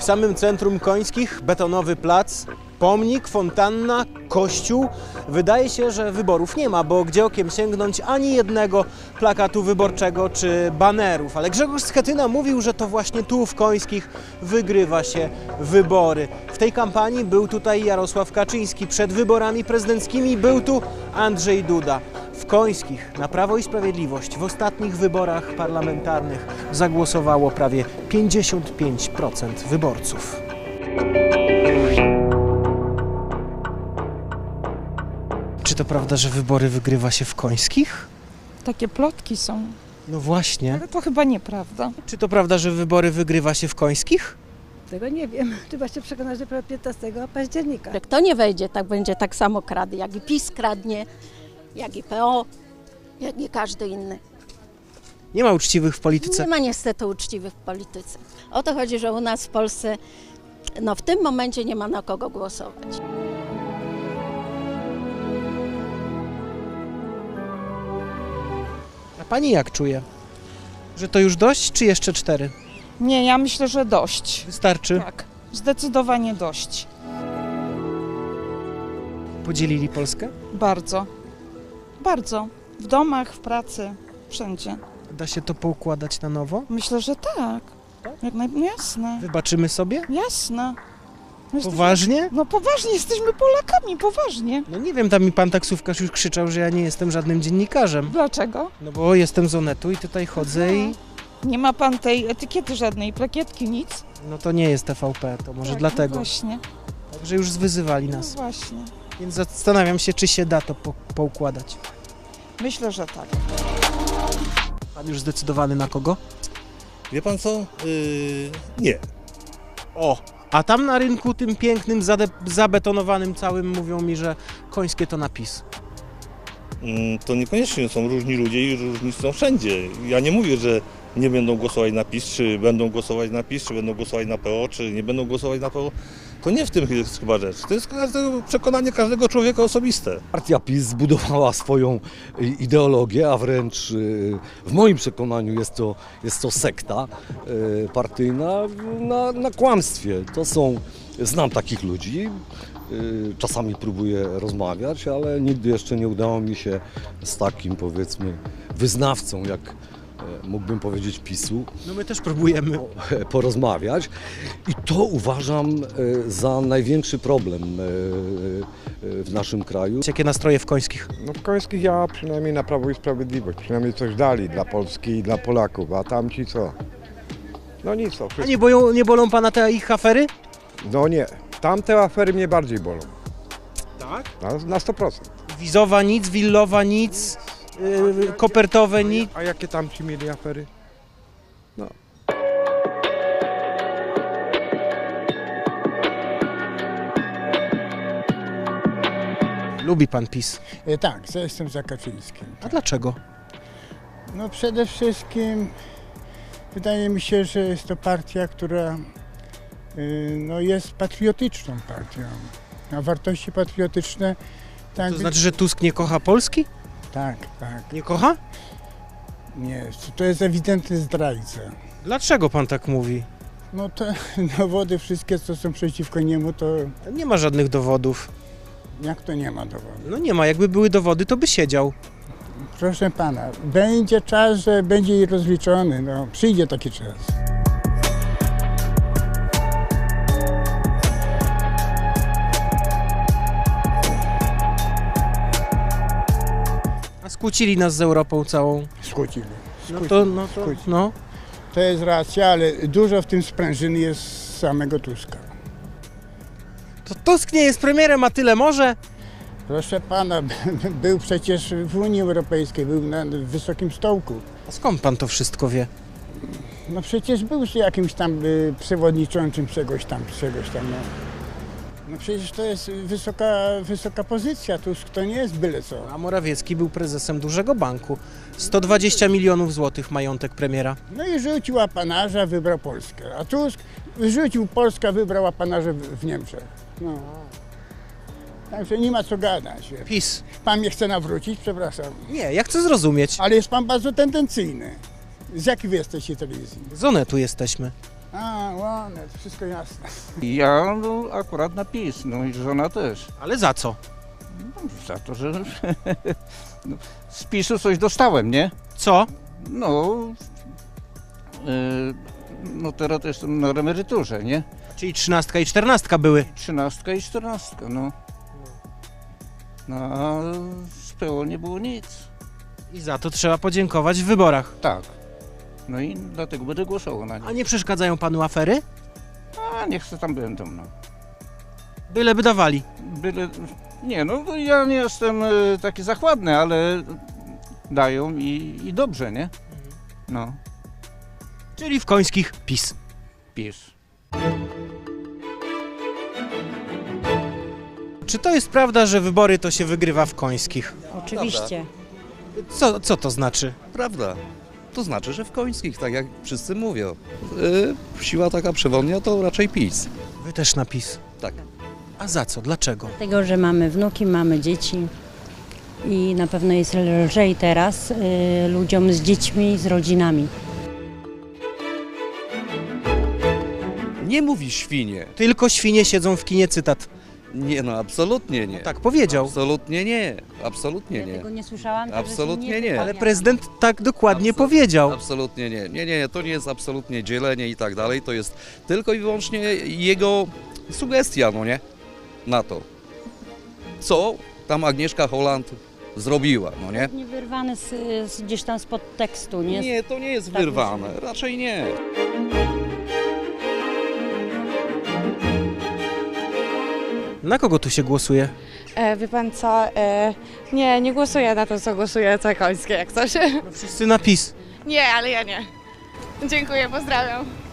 W samym centrum Końskich betonowy plac, pomnik, fontanna, kościół. Wydaje się, że wyborów nie ma, bo gdzie okiem sięgnąć ani jednego plakatu wyborczego czy banerów. Ale Grzegorz Schetyna mówił, że to właśnie tu w Końskich wygrywa się wybory. W tej kampanii był tutaj Jarosław Kaczyński. Przed wyborami prezydenckimi był tu Andrzej Duda. W Końskich na Prawo i Sprawiedliwość w ostatnich wyborach parlamentarnych zagłosowało prawie 55% wyborców. Czy to prawda, że wybory wygrywa się w Końskich? Takie plotki są, No właśnie. ale to chyba nieprawda. Czy to prawda, że wybory wygrywa się w Końskich? Tego nie wiem. Trzeba się przekonać dopiero 15 października. Kto nie wejdzie, tak będzie tak samo kradł, jak i PiS kradnie, jak i PO, jak i każdy inny. Nie ma uczciwych w polityce. Nie ma niestety uczciwych w polityce. O to chodzi, że u nas w Polsce, no w tym momencie nie ma na kogo głosować. A pani jak czuje? Że to już dość, czy jeszcze 4? Nie, ja myślę, że dość. Wystarczy? Tak, zdecydowanie dość. Podzielili Polskę? Bardzo. Bardzo. W domach, w pracy, wszędzie. Da się to poukładać na nowo? Myślę, że tak. Jak jasne. Wybaczymy sobie? Jasne. Poważnie? No poważnie, jesteśmy Polakami, poważnie. No nie wiem, tam mi pan taksówkarz już krzyczał, że ja nie jestem żadnym dziennikarzem. Dlaczego? No bo jestem z Onetu i tutaj chodzę i... Nie ma pan tej etykiety żadnej, plakietki, nic. No to nie jest TVP, to może Tak, dlatego. No właśnie, Także już wyzywali no nas. właśnie. Więc zastanawiam się, czy się da to poukładać. Myślę, że tak. Pan już zdecydowany na kogo? Wie pan co? Nie. O! A tam na rynku tym pięknym, zabetonowanym całym mówią mi, że Końskie to napis. To niekoniecznie są różni ludzie i różni są wszędzie. Ja nie mówię, że nie będą głosować na PiS, czy będą głosować na PiS, czy będą głosować na PO, czy nie będą głosować na PO. To nie w tym jest chyba rzecz. To jest przekonanie każdego człowieka osobiste. Partia PiS zbudowała swoją ideologię, a wręcz w moim przekonaniu jest to sekta partyjna na kłamstwie. Znam takich ludzi, czasami próbuję rozmawiać, ale nigdy jeszcze nie udało mi się z takim, powiedzmy, wyznawcą, jak mógłbym powiedzieć PiS-u, No my też próbujemy. porozmawiać i to uważam za największy problem w naszym kraju. Jakie nastroje w Końskich? No w Końskich ja przynajmniej na Prawo i Sprawiedliwość, przynajmniej coś dali dla Polski i dla Polaków, a tamci co? No nic, to A wszystko. nie bolą pana te ich afery? No nie, tamte afery mnie bardziej bolą, Tak. na 100%. Wizowa nic, willowa nic, kopertowe nic. A jakie tamci mieli afery? No. Lubi pan PiS. Tak, jestem za Kaczyńskim. A dlaczego? No przede wszystkim wydaje mi się, że jest to partia, która no, jest patriotyczną partią. A wartości patriotyczne... Tak, To znaczy, że Tusk nie kocha Polski? tak, tak. Nie kocha? Nie, to jest ewidentny zdrajca. Dlaczego pan tak mówi? No te dowody wszystkie, co są przeciwko niemu, to Nie ma żadnych dowodów. jak to nie ma dowodu? No nie ma, jakby były dowody, to by siedział. Proszę pana, będzie czas, że będzie rozliczony, no przyjdzie taki czas. A skłócili nas z Europą całą. Skłócili. No. To jest racja, ale dużo w tym sprężyny jest z samego Tuska. To Tusk nie jest premierem, a tyle może? Proszę pana, był przecież w Unii Europejskiej, był na wysokim stołku. A skąd pan to wszystko wie? No przecież był jakimś tam przewodniczącym czegoś tam. No. No przecież to jest wysoka pozycja, Tusk to nie jest byle co. A Morawiecki był prezesem dużego banku. 120 milionów złotych majątek premiera. No i rzucił apanarza, wybrał Polskę. A Tusk rzucił Polskę, wybrał apanarze w Niemczech. No. Także nie ma co gadać. PiS. Pan mnie chce nawrócić, przepraszam. Nie, ja chcę zrozumieć. Ale jest pan bardzo tendencyjny. Z jakiej wy jesteście telewizji? Z Onetu jesteśmy. A, ładne, to wszystko jasne. Ja no, akurat na PiS, no i żona też. Ale za co? No, za to, że no, z PiSu coś dostałem, nie? Co? No, no teraz jestem na emeryturze, nie? Czyli 13 i 14 były. 13 i 14, no. No, a z PO nie było nic. I za to trzeba podziękować w wyborach. Tak. No i dlatego będę głosował na nie. A nie przeszkadzają panu afery? A niech se tam będą, no. Byle by dawali. Byle... Nie, no ja nie jestem taki zachładny, ale dają i dobrze, nie? No, Czyli w końskich PiS. PiS. Czy to jest prawda, że wybory to się wygrywa w końskich? Oczywiście. Co to znaczy? Prawda. To znaczy, że w końskich, tak jak wszyscy mówią. Siła taka przewodnia to raczej PiS. Wy też na PiS. Tak. A za co? Dlaczego? Dlatego, że mamy wnuki, mamy dzieci i na pewno jest lżej teraz ludziom z dziećmi, z rodzinami. Nie mówi świnie. Tylko świnie siedzą w kinie, cytat. Nie, no absolutnie nie. Tak powiedział. Absolutnie nie. Absolutnie Ja nie. tego nie słyszałam. także się Absolutnie nie. wypowiem. Ale prezydent tak dokładnie powiedział. Absolutnie nie. Nie, to nie jest absolutnie dzielenie i tak dalej. To jest tylko i wyłącznie jego sugestia, no nie? Na to. Co tam Agnieszka Holland zrobiła, no nie? Nie wyrwane gdzieś tam spod tekstu, nie? Nie, to nie jest Tak wyrwane. Raczej nie. Na kogo tu się głosuje? Wie pan co, nie głosuję na to, co głosuje Cokońskie, jak coś. No wszyscy na PiS. Nie, ale ja nie. Dziękuję, pozdrawiam.